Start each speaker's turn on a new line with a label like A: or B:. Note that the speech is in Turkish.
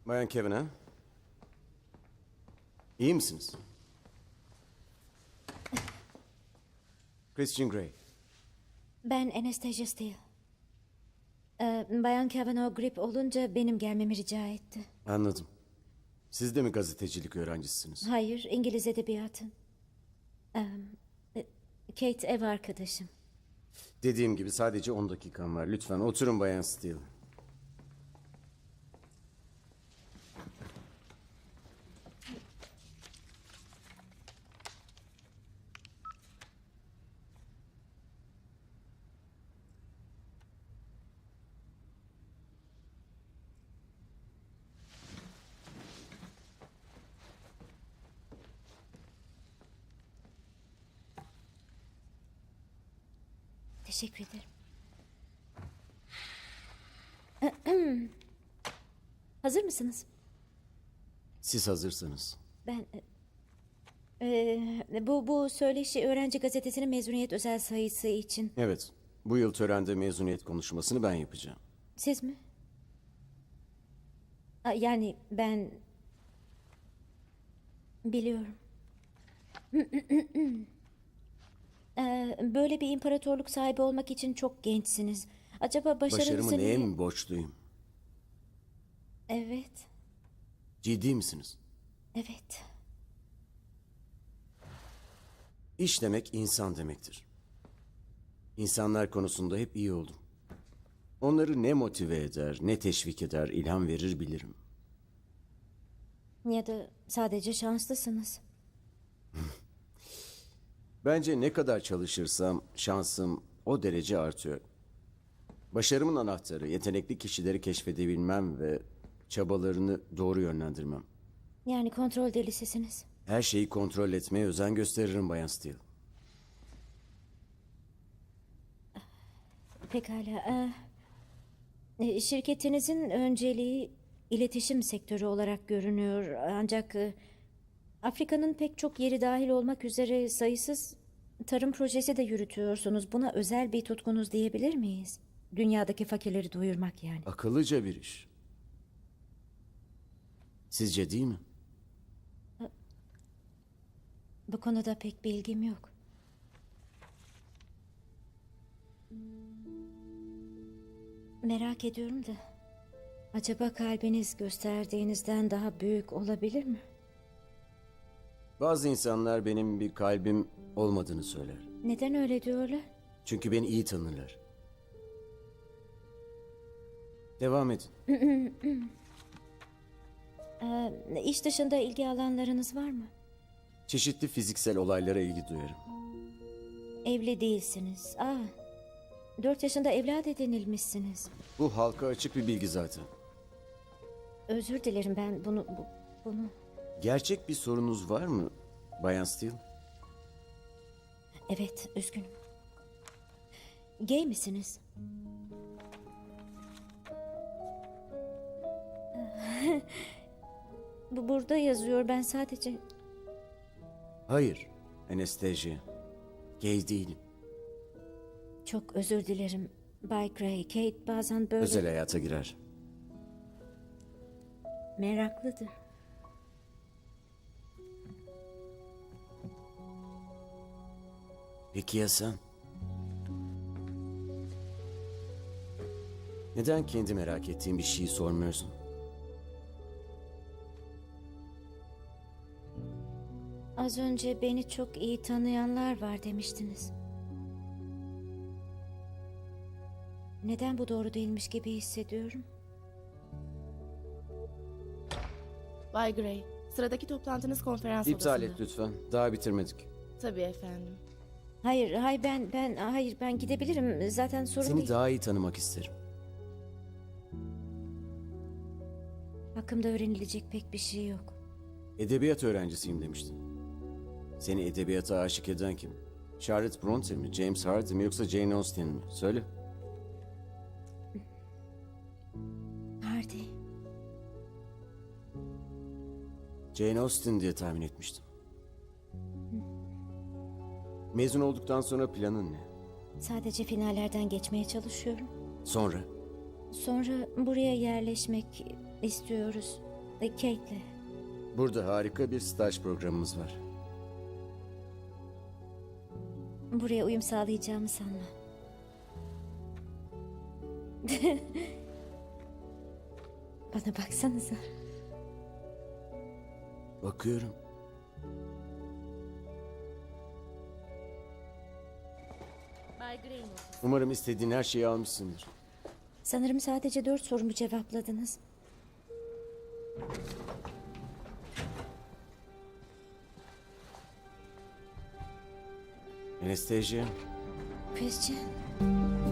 A: Bayan Kevin ha? İyi misiniz? Christian Grey.
B: Ben Anastasia Steele. Bayan Kavanaugh grip olunca benim gelmemi rica etti.
A: Anladım. Siz de mi gazetecilik öğrencisisiniz?
B: Hayır, İngiliz edebiyatı. Kate ev arkadaşım.
A: Dediğim gibi sadece 10 dakikam var. Lütfen oturun Bayan Steele.
B: Teşekkür ederim. Hazır mısınız?
A: Siz hazırsanız.
B: Ben... bu söyleşi öğrenci gazetesinin mezuniyet özel sayısı için.
A: Evet. Bu yıl törende mezuniyet konuşmasını ben yapacağım.
B: Siz mi? Yani ben... Biliyorum. Böyle bir imparatorluk sahibi olmak için çok gençsiniz. Acaba başarınızı...
A: Başarımı neye mi borçluyum?
B: Evet,
A: Ciddi misiniz?
B: evet.
A: İş demek insan demektir. İnsanlar konusunda hep iyi oldum. Onları ne motive eder, ne teşvik eder, ilham verir bilirim.
B: Ya da sadece şanslısınız.
A: Bence ne kadar çalışırsam şansım o derece artıyor. Başarımın anahtarı yetenekli kişileri keşfedebilmem ve çabalarını doğru yönlendirmem.
B: Yani kontrol delisisiniz.
A: Her şeyi kontrol etmeye özen gösteririm Bayan Steele.
B: Pekala. Şirketinizin önceliği iletişim sektörü olarak görünüyor. Ancak Afrika'nın pek çok yeri dahil olmak üzere sayısız tarım projesi de yürütüyorsunuz. Buna özel bir tutkunuz diyebilir miyiz? Dünyadaki fakirleri doyurmak yani.
A: Akıllıca bir iş. Sizce değil mi?
B: Bu konuda pek bilgim yok. Merak ediyorum da. Acaba kalbiniz gösterdiğinizden daha büyük olabilir mi?
A: Bazı insanlar benim bir kalbim olmadığını söyler.
B: Neden öyle diyorlar?
A: Çünkü beni iyi tanırlar. Devam edin.
B: İş dışında ilgi alanlarınız var mı?
A: Çeşitli fiziksel olaylara ilgi duyarım.
B: Evli değilsiniz. 4 yaşında evlat edinilmişsiniz.
A: Bu halka açık bir bilgi zaten.
B: Özür dilerim, ben bunu...
A: Gerçek bir sorunuz var mı Bayan Steele?
B: Evet, üzgünüm. Gay misiniz? Bu burada yazıyor, ben sadece...
A: Hayır, Anastasia. Gay değilim.
B: Çok özür dilerim Bay Gray. Kate bazen böyle
A: Özel hayata girer.
B: meraklıdır.
A: Peki ya sen? Neden kendi merak ettiğin bir şeyi sormuyorsun?
B: Az önce beni çok iyi tanıyanlar var demiştiniz. Neden bu doğru değilmiş gibi hissediyorum?
C: Bay Gray, sıradaki toplantınız konferans
A: İptal
C: odasında.
A: et lütfen. Daha bitirmedik.
C: Tabii efendim.
B: Hayır, ben gidebilirim. Zaten sorun
A: Seni
B: değil.
A: daha iyi tanımak isterim.
B: Hakkımda öğrenilecek pek bir şey yok.
A: Edebiyat öğrencisiyim demiştin. Seni edebiyata aşık eden kim? Charlotte Bronte mi, James Hardy mi yoksa Jane Austen mi? Söyle.
B: Hardy.
A: Jane Austen diye tahmin etmiştim. Mezun olduktan sonra planın ne?
B: Sadece finallerden geçmeye çalışıyorum.
A: Sonra?
B: Sonra buraya yerleşmek istiyoruz. Kate'le.
A: Burada harika bir staj programımız var.
B: Buraya uyum sağlayacağımı sanma. Bana baksanıza.
A: Bakıyorum.
C: Bay Gray'in
A: Umarım istediğin her şeyi almışsındır.
B: Sanırım sadece 4 sorumu cevapladınız.
A: Anastasia,
B: Christian.